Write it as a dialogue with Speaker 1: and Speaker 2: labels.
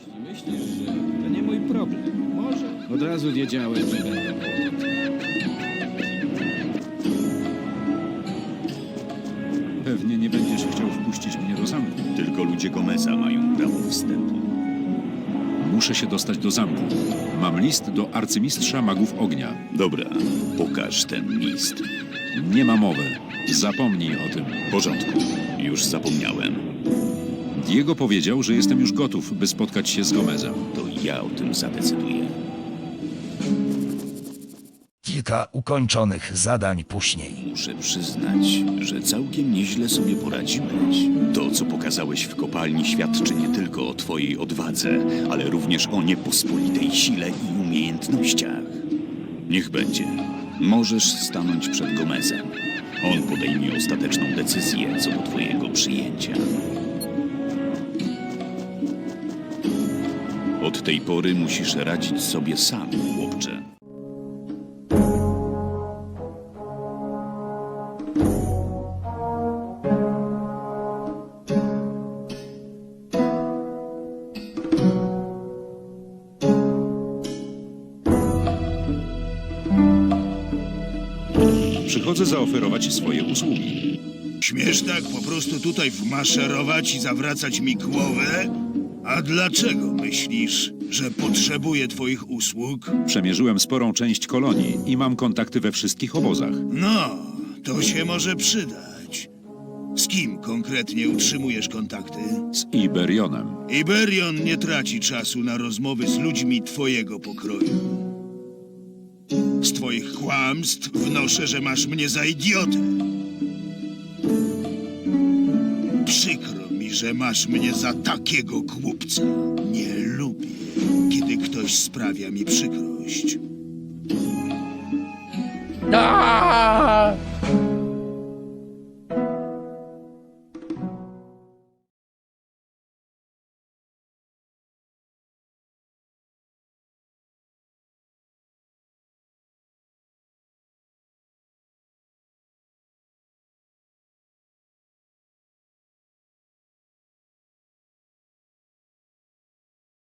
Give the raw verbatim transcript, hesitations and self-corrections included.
Speaker 1: Jeśli myślisz, że to nie mój problem, może od razu wiedziałem, że będę.
Speaker 2: Pewnie nie będziesz chciał wpuścić mnie do zamku.
Speaker 3: Tylko ludzie Gomeza mają prawo wstępu.
Speaker 2: Muszę się dostać do zamku. Mam list do arcymistrza magów ognia.
Speaker 3: Dobra, pokaż ten list.
Speaker 2: Nie ma mowy. Zapomnij o tym.
Speaker 3: W porządku, już zapomniałem.
Speaker 2: Diego powiedział, że jestem już gotów, by spotkać się z Gomezem.
Speaker 3: To ja o tym zadecyduję.
Speaker 4: Kilka ukończonych zadań później.
Speaker 3: Muszę przyznać, że całkiem nieźle sobie poradziłeś. To, co pokazałeś w kopalni, świadczy nie tylko o twojej odwadze, ale również o niepospolitej sile i umiejętnościach. Niech będzie. Możesz stanąć przed Gomezem. On podejmie ostateczną decyzję co do twojego przyjęcia. Od tej pory musisz radzić sobie sam, chłopcze.
Speaker 2: Przychodzę zaoferować swoje usługi.
Speaker 5: Śmiesz tak po prostu tutaj wmaszerować i zawracać mi głowę? A dlaczego myślisz, że potrzebuję twoich usług?
Speaker 2: Przemierzyłem sporą część kolonii i mam kontakty we wszystkich obozach.
Speaker 5: No, to się może przydać. Z kim konkretnie utrzymujesz kontakty?
Speaker 2: Z Iberionem.
Speaker 5: Iberion nie traci czasu na rozmowy z ludźmi twojego pokroju. Z twoich kłamstw wnoszę, że masz mnie za idiotę. Przykro mi, że masz mnie za takiego głupca. Nie lubię, kiedy ktoś sprawia mi przykrość.
Speaker 6: Da!